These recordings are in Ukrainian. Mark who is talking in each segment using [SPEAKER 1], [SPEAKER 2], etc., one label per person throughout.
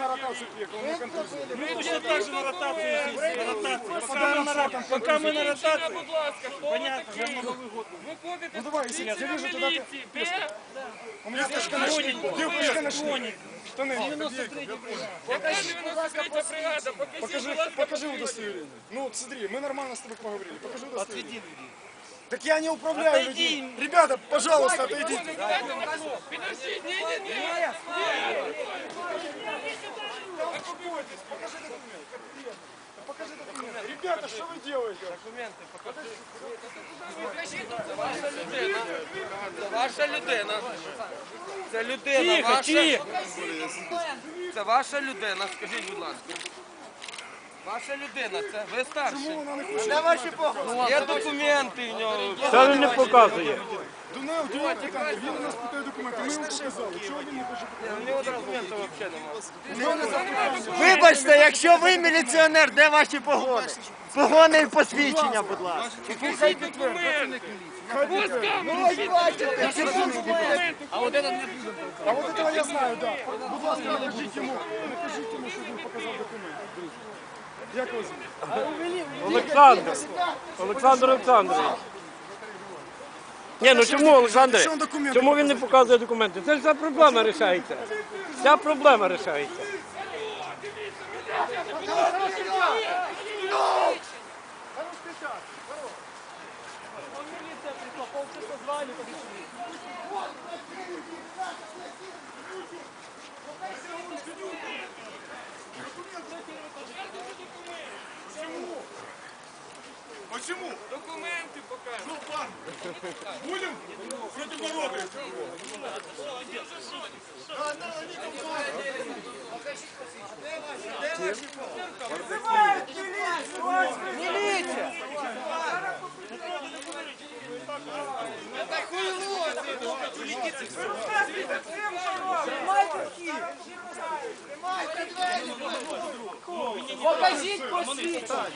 [SPEAKER 1] на ротацию приехал, у меня контузия.
[SPEAKER 2] Мы точно так же на ротацию здесь. Пока мы на ротации. Понятно, я на Новый год.
[SPEAKER 1] Ну давай, если я вижу, туда ты пешка. У меня пешка на шее. Где пешка на шее? Штаны. Покажи удостоверение. Ну смотри, мы нормально с тобой поговорили. Покажи удостоверение. Так я не управляю людьми. Ребята, пожалуйста, отойдите.
[SPEAKER 3] Подожди, не.
[SPEAKER 1] Покажи документы. Ребята, что вы делаете?
[SPEAKER 2] Документи, покажи.
[SPEAKER 3] Це ваша людина. Це людина ваша. Це ваша людина, скажіть, будь ласка. Ваша людина, це ви старший.
[SPEAKER 1] Чому вона не хоче?
[SPEAKER 3] Де ваші погоди? Є документи в нього.
[SPEAKER 4] Це він не показує.
[SPEAKER 1] Дунев, він у нас питає документи. Ми йому показали. Чого він не хоче показати?
[SPEAKER 3] У нього документів взагалі немає.
[SPEAKER 5] Вибачте, якщо ви міліціонер, де ваші погони? Погони і посвідчення, будь ласка.
[SPEAKER 3] Покажіть документи.
[SPEAKER 5] Ну, ось бачите, це документи.
[SPEAKER 1] А вот этого я знаю, да. Будь ласка, накажіть йому, щоб він показав документи. Друзі. Як вас звуть?
[SPEAKER 4] Олександр. Олександр Олександрович. Ні, ну чому, Олександре? Чому він не показує документи? Це ж ця проблема вирішається. Ця проблема вирішається.
[SPEAKER 1] Почему?
[SPEAKER 3] Документи покажуть.
[SPEAKER 1] Ну, пан, будем против народа.
[SPEAKER 3] Міліція! Покажіть посвідчення.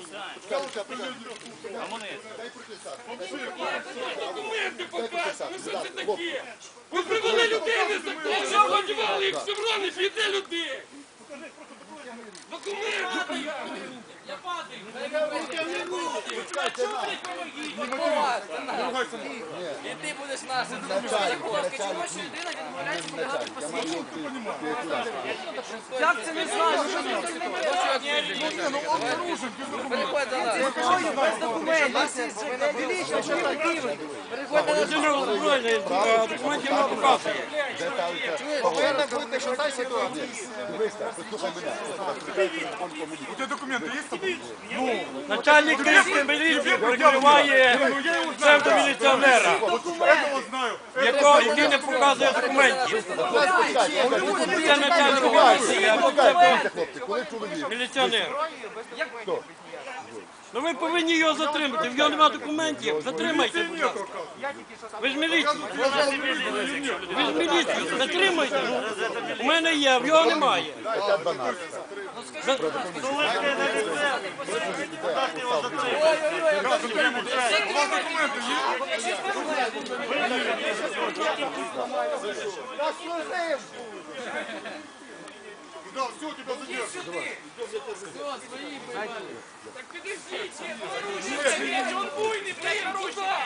[SPEAKER 3] Документи покажуть. Що це таке? Ви привели людей незаконно, одягали їх в шеврони, б'єте людей. Документи покажуть. Я падаю. І ти будеш нашим. Чому ж людина відмовляється подавати посвідчення? Як це не знаю? Переходь до нас. Без документів. Міліція, що ви робили? Переходь до нас.
[SPEAKER 4] Документів не показує.
[SPEAKER 5] Повинна бути що та ситуація.
[SPEAKER 1] У тебя документы есть с тобой?
[SPEAKER 4] Начальник Київської міліції прикриває псевдоміліціонера, який не показує документів. Це начальник міліції, або це міліціонер. Ну ви повинні його затримати, в нього немає документів, затримайте, будь ласка. Ви ж міліція. Ви ж міліція, затримайте. У мене є, в нього немає.
[SPEAKER 1] Да, все, тебя задержат.
[SPEAKER 3] Так підождіть, он буйний, блядь, рука!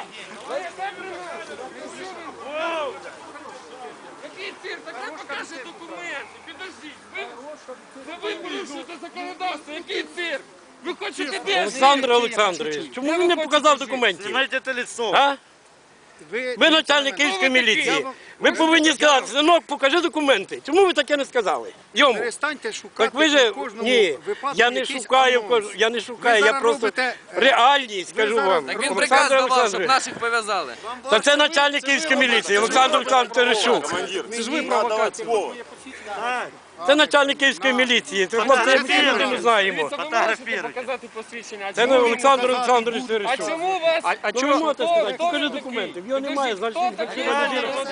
[SPEAKER 3] Який цирк? Так ви покажете документи, підождіть. Ви порушуєте законодавство, який цирк? Ви хочете де?
[SPEAKER 4] Олександр Олександрович, чому він не показав документів?
[SPEAKER 5] Знімайте те лицо.
[SPEAKER 4] А? Ви начальник Київської міліції. Ви повинні сказати, синок, покажи документи. Чому ви таке не сказали? Йому.
[SPEAKER 5] Перестаньте шукати
[SPEAKER 4] Так ви же,
[SPEAKER 5] в кожному
[SPEAKER 4] ні,
[SPEAKER 5] випадку
[SPEAKER 4] я не
[SPEAKER 5] якийсь
[SPEAKER 4] шукаю,
[SPEAKER 5] анонс.
[SPEAKER 4] я не шукаю,
[SPEAKER 5] Ви
[SPEAKER 4] я
[SPEAKER 5] зараз
[SPEAKER 4] просто
[SPEAKER 5] робите,
[SPEAKER 4] реальність, скажу вам.
[SPEAKER 3] Так він
[SPEAKER 4] Олександр
[SPEAKER 3] приказ давав, щоб
[SPEAKER 4] Олександрович.
[SPEAKER 3] наших пов'язали.
[SPEAKER 4] Та це начальник Київської міліції, Олександр Олександрович Терещук.
[SPEAKER 5] Це ж ви провокація.
[SPEAKER 4] Це начальник Київської міліції. Це хлопці, ми не знаємо.
[SPEAKER 3] Показати посвідчення.
[SPEAKER 4] Це не Олександр Олександрович
[SPEAKER 3] А
[SPEAKER 4] Терещук.
[SPEAKER 3] чому вас?
[SPEAKER 4] Ну ви можете сказати, покажи документи. В його немає, значить він такий довірений.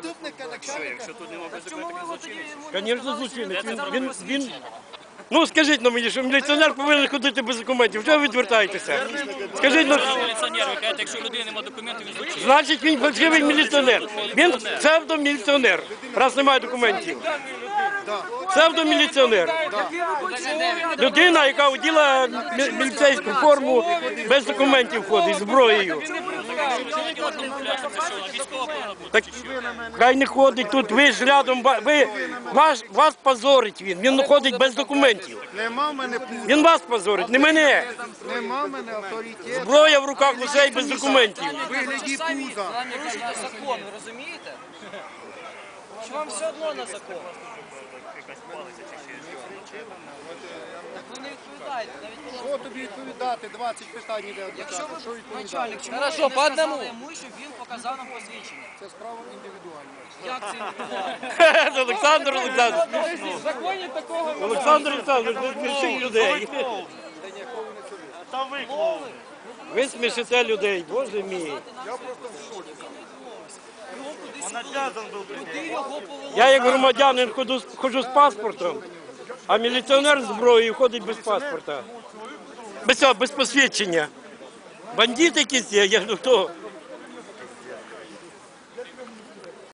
[SPEAKER 4] Звісно, злочинець. Він... Ну скажіть на мені, що міліціонер повинен ходити без документів. Чого ви відвертаєтеся? Скажіть, ну...
[SPEAKER 6] Міліціонер, ви кажете, якщо у людини немає документів, він злочинець.
[SPEAKER 4] Значить він фальшивий міліціонер. Він псевдоміліціонер, раз немає документів. Псевдоміліціонер. Людина, яка оділа міліцейську форму, без документів ходить, зброєю. Так хай не ходить тут, ви ж рядом, вас позорить він. Він ходить без документів.
[SPEAKER 1] Нема в мене
[SPEAKER 4] Він вас позорить, не мене.
[SPEAKER 1] Нема в мене авторитету.
[SPEAKER 4] Зброя в руках усей без документів.
[SPEAKER 1] Вигляді пуза.
[SPEAKER 3] Порушуєте закон, ви розумієте? Чи вам все одно на закон? Так ви не відповідаєте, навіть
[SPEAKER 1] Що тобі відповідати? 20 питань іде
[SPEAKER 3] якщо
[SPEAKER 1] адвоката. Що
[SPEAKER 3] ви
[SPEAKER 1] відповідати?
[SPEAKER 3] начальник, чому ви не сказали йому, щоб він показав нам посвідчення?
[SPEAKER 1] Це справа індивідуальна.
[SPEAKER 3] Як це індивідуально?
[SPEAKER 4] Олександр Олександрович.
[SPEAKER 3] В законі такого
[SPEAKER 4] Олександр Олександрович, ви смішите людей. Ви смішите людей, боже мій. Я як громадянин ходжу з паспортом, а міліціонер з зброєю ходить без паспорта. Без посвідчення. Бандит якийсь є, я хто?